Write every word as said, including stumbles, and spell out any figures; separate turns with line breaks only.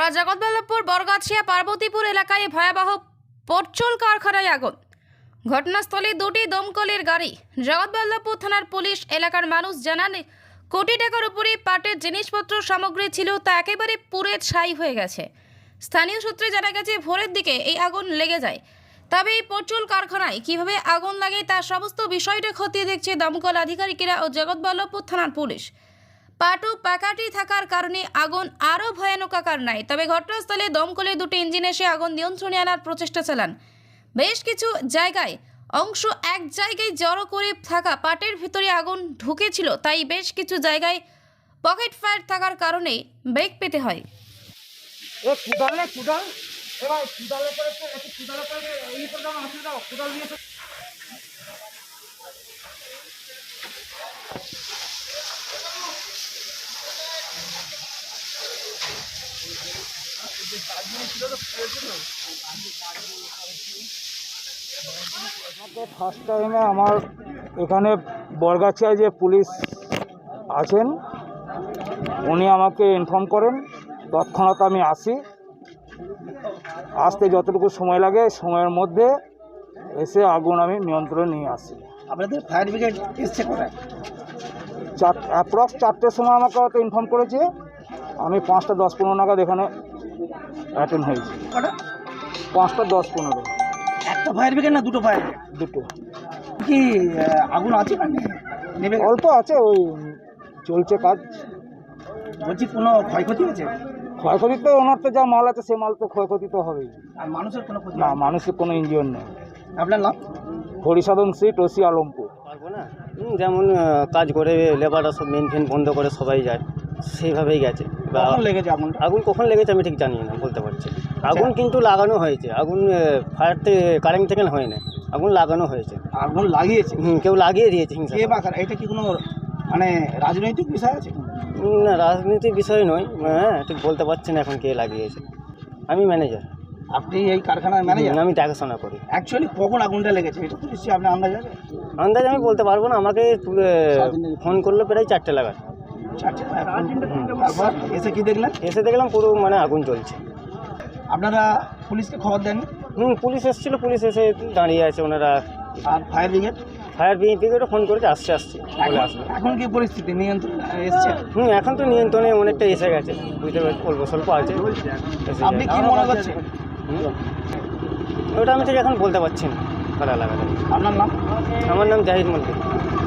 আজ জগৎবল্লভপুর বরগাছিয়া পার্বতীপুর এলাকায় ভয়াবহ পরচুল কারখানায় আগুন। ঘটনাস্থলে দুটি দমকলের গাড়ি। জগৎবল্লভপুর থানার পুলিশ এলাকার মানুষ জানান, কোটি টাকার উপরে পাটের জিনিসপত্র সামগ্রী ছিল, তা একেবারে পুড়ে ছাই হয়ে গেছে। স্থানীয় সূত্রে জানা গেছে, ভোরের দিকে এই আগুন লেগে যায়। তবে এই পরচুল কারখানায় কিভাবে আগুন লাগে তার সমস্ত বিষয়টা খতিয়ে দেখছে দমকল আধিকারিকেরা ও জগৎবল্লভপুর থানার পুলিশ। পাটু পাকাটি থাকার কারণে আগুন আরও ভয়ানক আকার নেয়। তবে ঘটনাস্থলে দমকলের দুটি ইঞ্জিন এসে আগুন নিয়ন্ত্রণে আনার প্রচেষ্টা চালান। বেশ কিছু জায়গায় অংশ এক জায়গায় জড়ো করে থাকা পাটের ভিতরে আগুন ঢুকেছিল, তাই বেশ কিছু জায়গায় পকেট ফায়ার থাকার কারণে বেগ পেতে হয়।
ফার্স্ট টাইমে আমার এখানে বরগাছিয়ায় যে পুলিশ আছেন উনি আমাকে ইনফর্ম করেন, তৎক্ষণাৎ আমি আসি। আসতে যতটুকু সময় লাগে সময়ের মধ্যে এসে আগুন আমি নিয়ন্ত্রণে নিয়ে আসি।
আপনাদের ফায়ার ব্রিগেড এসছে কোথায়?
চার অ্যাপ্রক্স চারটের সময় আমাকে হয়তো ইনফর্ম করেছে। আমি পাঁচটা দশ পনেরো নাগাদ এখানে অ্যাটেন্ড হয়েছি।
কটা?
পাঁচটা দশ পনেরো।
একটা ফায়ার ব্রিগেড না দুটো ফায়ার ব্রিগেড?
দুটো।
কি আহ, আগুন আছে না নেবে?
অল্প আছে, ওই চলছে কাজ।
বলছি কোনো ক্ষয়ক্ষতি হয়েছে?
ক্ষয়ক্ষতি তো ওনার তো যা মাল আছে সে মাল তো ক্ষয়ক্ষতি তো হবেই।
আর মানুষের কোনো ক্ষতি
না,
হয়নি?
মানুষের কোনো ইঞ্জিন নেই।
আপনার নাম?
হরিসাধন শ্রী টসি আলমপুর।
পারবো না, হুম, যেমন আহ, কাজ করে লেবাররা সব মেন ফেন বন্ধ করে সবাই যায়, সেইভাবেই গেছে। বা
কখন লেগেছে আগুনটা?
আগুন কখন লেগেছে আমি ঠিক জানি না, বলতে পারছি না। আগুন কিন্তু লাগানো হয়েছে, আগুন ফায়ার থেকে কারেন্ট থেকে হয় না, আগুন লাগানো হয়েছে।
আগুন লাগিয়েছে?
হুম, কেউ লাগিয়ে দিয়েছে হিংসা
কে
করে।
বা কারা? এটা কি কোনো মানে রাজনৈতিক বিষয় আছে?
হুম, না, রাজনীতির বিষয় নয়। হ্যাঁ, ঠিক বলতে পারছি না এখন কে লাগিয়েছে। আমি ম্যানেজার,
আপনি এই কারখানার ম্যানেজার?
আমি দেখাশোনা করি।
অ্যাকচুয়ালি কখন আগুনটা লেগেছে এটা তো নিশ্চয়ই আপনার আন্দাজ আছে?
আন্দাজ আমি বলতে পারবো না, আমাকে তুলে ফোন করলো প্রায় চারটে লাগার।
চারটে। তারপর এসে কি দেখলেন?
এসে দেখলাম পুরো মানে আগুন চলছে।
আপনারা পুলিশকে খবর দেন?
হুম, পুলিশ এসেছিল, পুলিশ এসে দাঁড়িয়ে আছে ওনারা।
আর ফায়ার ব্রিগেড?
ফায়ার ব্রিগেডও ফোন করেছে, আসছে আসছে বলে আসলো।
এখন কি পরিস্থিতি নিয়ন্ত্রণ এসছে?
হুম, এখন তো নিয়ন্ত্রণে অনেকটা এসে গেছে, বুঝতে পারছি, অল্প স্বল্প আছে। এসে
আপনি
গেছে।
কি মনে করছেন?
হুম, ওটা আমি ঠিক এখন বলতে পারছি না কারা লাগাতে।
আপনার নাম?
আমার নাম জাহিদ মল্লিক।